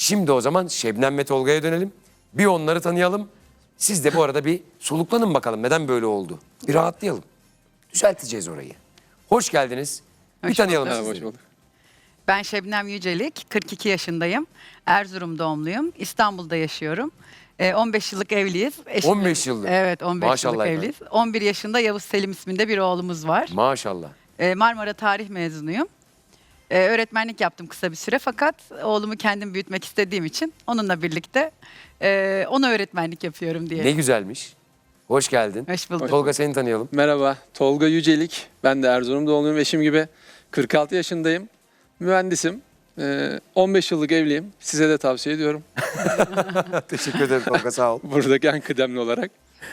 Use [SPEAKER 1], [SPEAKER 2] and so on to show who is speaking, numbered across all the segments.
[SPEAKER 1] Şimdi o zaman Şebnem ve Tolga'ya dönelim. Bir onları tanıyalım. Siz de bu arada bir soluklanın bakalım neden böyle oldu. Bir rahatlayalım. Düzelteceğiz orayı. Hoş geldiniz. Bir
[SPEAKER 2] Hoş
[SPEAKER 1] tanıyalım
[SPEAKER 2] bulduk.
[SPEAKER 1] sizleri.
[SPEAKER 3] Hoş bulduk.
[SPEAKER 2] Ben Şebnem Yücelik, 42 yaşındayım. Erzurum doğumluyum. İstanbul'da yaşıyorum. 15 yıllık evliyiz.
[SPEAKER 1] 15 yıllık.
[SPEAKER 2] Evet, 15
[SPEAKER 1] Maşallah
[SPEAKER 2] yıllık
[SPEAKER 1] efendim.
[SPEAKER 2] evliyiz. 11 yaşında Yavuz Selim isminde bir oğlumuz var.
[SPEAKER 1] Maşallah.
[SPEAKER 2] Marmara Tarih mezunuyum. Öğretmenlik yaptım kısa bir süre fakat oğlumu kendim büyütmek istediğim için onunla birlikte ona öğretmenlik yapıyorum diye.
[SPEAKER 1] Ne güzelmiş. Hoş geldin.
[SPEAKER 2] Hoş bulduk.
[SPEAKER 1] Tolga seni tanıyalım.
[SPEAKER 3] Merhaba, Tolga Yücelik. Ben de Erzurum doğumluyum, eşim gibi. 46 yaşındayım. Mühendisim. 15 yıllık evliyim. Size de tavsiye ediyorum.
[SPEAKER 1] Teşekkür ederim Tolga sağ ol.
[SPEAKER 3] Buradaki en kıdemli olarak.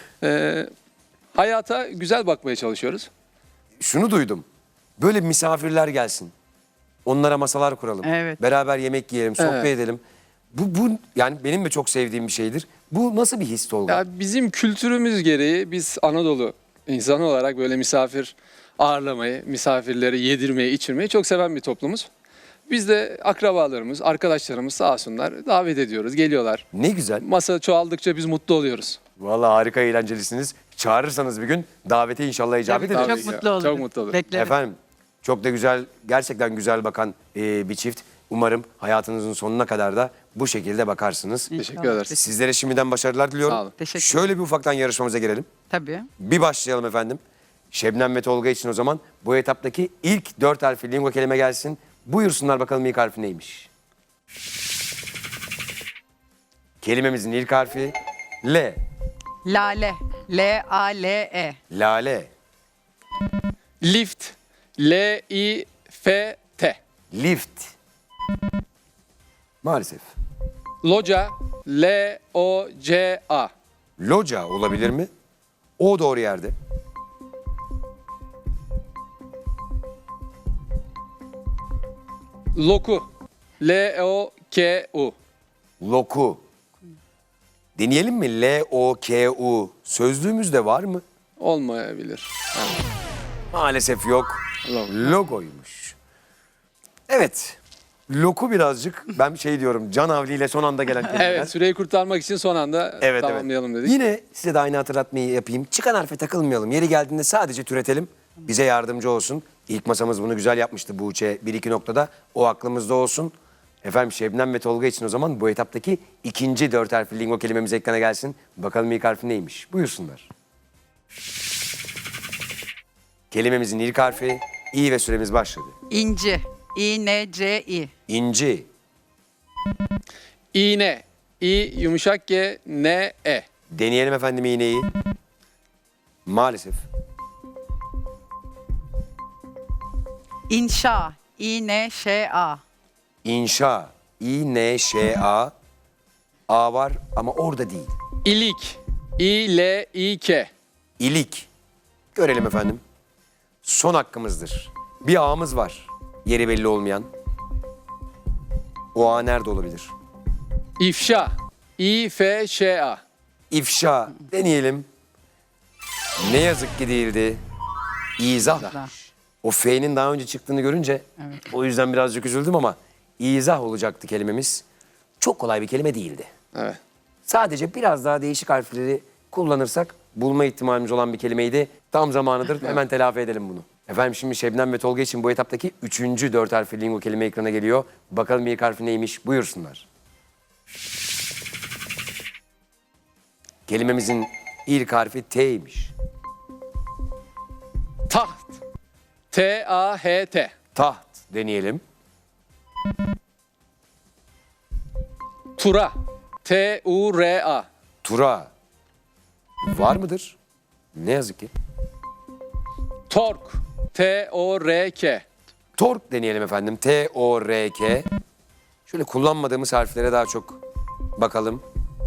[SPEAKER 3] Hayata güzel bakmaya çalışıyoruz.
[SPEAKER 1] Şunu duydum. Böyle misafirler gelsin. Onlara masalar kuralım.
[SPEAKER 2] Evet.
[SPEAKER 1] Beraber yemek yiyelim, sohbet
[SPEAKER 3] Evet.
[SPEAKER 1] edelim. Bu yani benim de çok sevdiğim bir şeydir. Bu nasıl bir his Tolga?
[SPEAKER 3] Ya bizim kültürümüz gereği biz Anadolu insanı olarak böyle misafir ağırlamayı, misafirleri yedirmeyi, içirmeyi çok seven bir toplumuz. Biz de akrabalarımız, arkadaşlarımız sağ olsunlar davet ediyoruz, geliyorlar.
[SPEAKER 1] Ne güzel.
[SPEAKER 3] Masa çoğaldıkça biz mutlu oluyoruz.
[SPEAKER 1] Vallahi harika eğlencelisiniz. Çağırırsanız bir gün davete inşallah icabet
[SPEAKER 2] Tabii,
[SPEAKER 1] ederiz.
[SPEAKER 2] çok mutlu olurum.
[SPEAKER 3] Çok mutlu olurum.
[SPEAKER 2] Beklerim.
[SPEAKER 1] Efendim çok da güzel, gerçekten güzel bakan bir çift. Umarım hayatınızın sonuna kadar da bu şekilde bakarsınız.
[SPEAKER 3] Teşekkür ederiz.
[SPEAKER 1] Sizlere şimdiden başarılar diliyorum.
[SPEAKER 3] Sağ olun.
[SPEAKER 2] Teşekkür
[SPEAKER 1] Şöyle bir ufaktan yarışmamıza girelim.
[SPEAKER 2] Tabii.
[SPEAKER 1] Bir başlayalım efendim. Şebnem ve Tolga için o zaman bu etaptaki ilk 4 harfli lingo kelime gelsin. Buyursunlar bakalım ilk harfi neymiş? Kelimemizin ilk harfi L.
[SPEAKER 2] Lale. L-A-L-E.
[SPEAKER 1] Lale.
[SPEAKER 3] Lift. L-I-F-T.
[SPEAKER 1] Lift. Maalesef.
[SPEAKER 3] Loca. L-O-C-A.
[SPEAKER 1] Loca olabilir mi? O doğru yerde.
[SPEAKER 3] Loku. L-O-K-U.
[SPEAKER 1] Loku. Deneyelim mi? L-O-K-U. Sözlüğümüzde var mı?
[SPEAKER 3] Olmayabilir.
[SPEAKER 1] Maalesef yok. Logoymuş. Evet. Loku birazcık ben şey diyorum can havliyle son anda gelen kelimeler.
[SPEAKER 3] Evet, süreyi kurtarmak için son anda tamamlayalım dedik.
[SPEAKER 1] Yine size de aynı hatırlatmayı yapayım. Çıkan harfe takılmayalım. Yeri geldiğinde sadece türetelim. Bize yardımcı olsun. İlk masamız bunu güzel yapmıştı Buğçe 1-2 noktada. O aklımızda olsun. Efendim Şebnem ve Tolga için o zaman bu etaptaki ikinci 4 harfli lingo kelimemiz ekrana gelsin. Bakalım ilk harfi neymiş? Buyursunlar. Kelimemizin ilk harfi İ ve süremiz başladı.
[SPEAKER 2] İnci. İ-N-C-İ.
[SPEAKER 1] İnci,
[SPEAKER 3] İğne. İ yumuşak G, N, E.
[SPEAKER 1] deneyelim efendim iğneyi. Maalesef.
[SPEAKER 2] İnşa. İ-N-Ş-A.
[SPEAKER 1] İnşa, İ-N-Ş-A. A var ama orada değil.
[SPEAKER 3] İlik. İ-L-İ-K.
[SPEAKER 1] İlik. Görelim efendim. Son hakkımızdır. Bir ağımız var. Yeri belli olmayan. O ağ nerede olabilir?
[SPEAKER 3] İfşa. İ-F-Ş-A.
[SPEAKER 1] İfşa. Deneyelim. Ne yazık ki değildi. İzah.
[SPEAKER 2] Güzel.
[SPEAKER 1] O F'nin daha önce çıktığını görünce o yüzden birazcık üzüldüm ama izah olacaktı kelimemiz. Çok kolay bir kelime değildi.
[SPEAKER 3] Evet.
[SPEAKER 1] Sadece biraz daha değişik harfleri kullanırsak bulma ihtimalimiz olan bir kelimeydi. Tam zamanıdır hemen telafi edelim bunu. Efendim şimdi Şebnem ve Tolga için bu etaptaki 3. 4 harfli lingo kelime ekrana geliyor. Bakalım ilk harfi neymiş? Buyursunlar. Kelimemizin ilk harfi T'ymiş.
[SPEAKER 3] Taht. T-A-H-T.
[SPEAKER 1] Taht deneyelim.
[SPEAKER 3] Tura. T-U-R-A.
[SPEAKER 1] Tura. Var mıdır? Ne yazık ki.
[SPEAKER 3] Tork. T-O-R-K.
[SPEAKER 1] Tork deneyelim efendim. T-O-R-K. Şöyle kullanmadığımız harflere daha çok bakalım.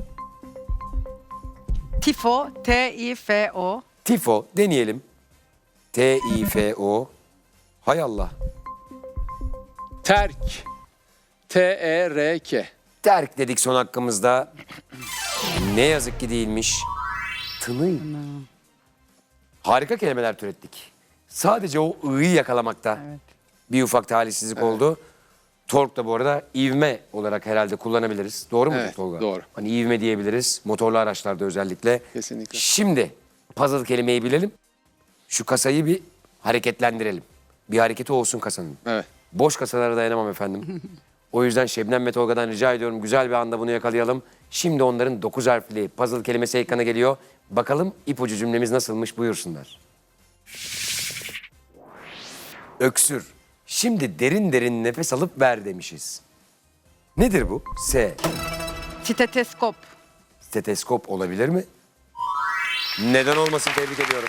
[SPEAKER 2] Tifo. T-I-F-O.
[SPEAKER 1] Tifo deneyelim. T-I-F-O. Hay Allah.
[SPEAKER 3] Terk. T-E-R-K.
[SPEAKER 1] Terk dedik son hakkımızda. Ne yazık ki değilmiş. Tınıy. Harika kelimeler türettik. Sadece o ı'yı yakalamakta
[SPEAKER 2] Evet.
[SPEAKER 1] bir ufak talihsizlik oldu. Tork da bu arada ivme olarak herhalde kullanabiliriz. Doğru mu
[SPEAKER 3] Evet,
[SPEAKER 1] Tolga?
[SPEAKER 3] doğru.
[SPEAKER 1] Hani ivme diyebiliriz. Motorlu araçlarda özellikle.
[SPEAKER 3] Kesinlikle.
[SPEAKER 1] Şimdi puzzle kelimeyi bilelim. Şu kasayı bir hareketlendirelim. Bir hareketi olsun kasanın.
[SPEAKER 3] Evet.
[SPEAKER 1] Boş kasalara dayanamam efendim. O yüzden Şebnem ve Tolga'dan rica ediyorum güzel bir anda bunu yakalayalım. Şimdi onların 9 harfli puzzle kelimesi ekrana geliyor. Bakalım ipucu cümlemiz nasılmış buyursunlar. Öksür. Şimdi derin derin nefes alıp ver demişiz. Nedir bu? S.
[SPEAKER 2] Steteskop.
[SPEAKER 1] Steteskop olabilir mi? Neden olmasın, tebrik ediyorum.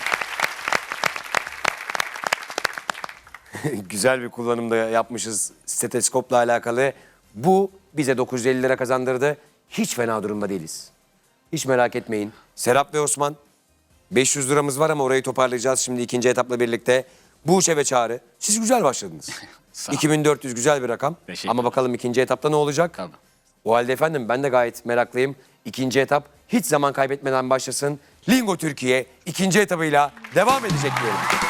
[SPEAKER 1] Güzel bir kullanımda yapmışız steteskopla alakalı. Bu bize 950 lira kazandırdı. Hiç fena durumda değiliz. Hiç merak etmeyin. Serap ve Osman 500 liramız var ama orayı toparlayacağız şimdi ikinci etapla birlikte. Buğçe ve Çağrı siz güzel başladınız.
[SPEAKER 4] Sağ ol.
[SPEAKER 1] 2400 güzel bir rakam.
[SPEAKER 4] Teşekkür
[SPEAKER 1] Ama bakalım ikinci etapta ne olacak?
[SPEAKER 4] Tabii.
[SPEAKER 1] O halde efendim ben de gayet meraklıyım. İkinci etap hiç zaman kaybetmeden başlasın. Lingo Türkiye ikinci etabıyla devam edecek diyelim.